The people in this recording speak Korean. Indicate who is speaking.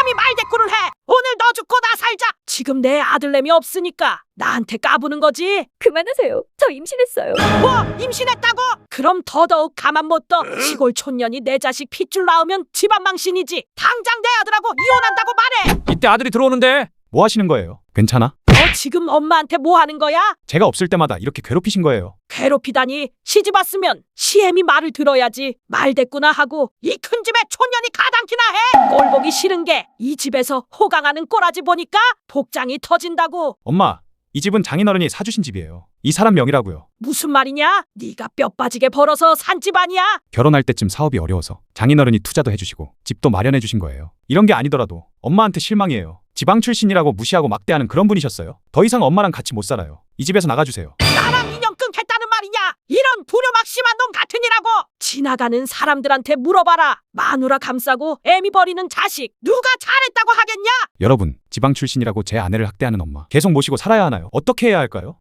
Speaker 1: 감히 말대꾸를 해. 오늘 너 죽고 나 살자. 지금 내 아들내미 없으니까 나한테 까부는 거지.
Speaker 2: 그만하세요. 저 임신했어요.
Speaker 1: 뭐 임신했다고? 그럼 더더욱 가만 못 둬. 시골 촌년이 내 자식 핏줄 낳으면 집안 망신이지. 당장 내 아들하고 이혼한다고 말해.
Speaker 3: 이때 아들이 들어오는데
Speaker 4: 뭐 하시는 거예요? 괜찮아?
Speaker 1: 너 지금 엄마한테 뭐 하는 거야?
Speaker 4: 제가 없을 때마다 이렇게 괴롭히신 거예요.
Speaker 1: 괴롭히다니. 시집 왔으면 시애미 말을 들어야지. 말대꾸나 하고 이 큰 집에 촌년이 가당키나 해. 꼴 보기 싫은 게 이 집에서 호강하는 꼬라지 보니까 복장이 터진다고.
Speaker 4: 엄마, 이 집은 장인어른이 사주신 집이에요. 이 사람 명의라고요.
Speaker 1: 무슨 말이냐? 네가 뼈 빠지게 벌어서 산 집 아니야?
Speaker 4: 결혼할 때쯤 사업이 어려워서 장인어른이 투자도 해주시고 집도 마련해 주신 거예요. 이런 게 아니더라도 엄마한테 실망이에요. 지방 출신이라고 무시하고 막대하는 그런 분이셨어요. 더 이상 엄마랑 같이 못 살아요. 이 집에서 나가주세요.
Speaker 1: 나랑 인연 끊겠다는 말이냐? 이런 불효막심한 놈 같으니라고. 지나가는 사람들한테 물어봐라. 마누라 감싸고 애미 버리는 자식 누가 잘했다고 하겠냐?
Speaker 4: 여러분, 지방 출신이라고 제 아내를 학대하는 엄마 계속 모시고 살아야 하나요? 어떻게 해야 할까요?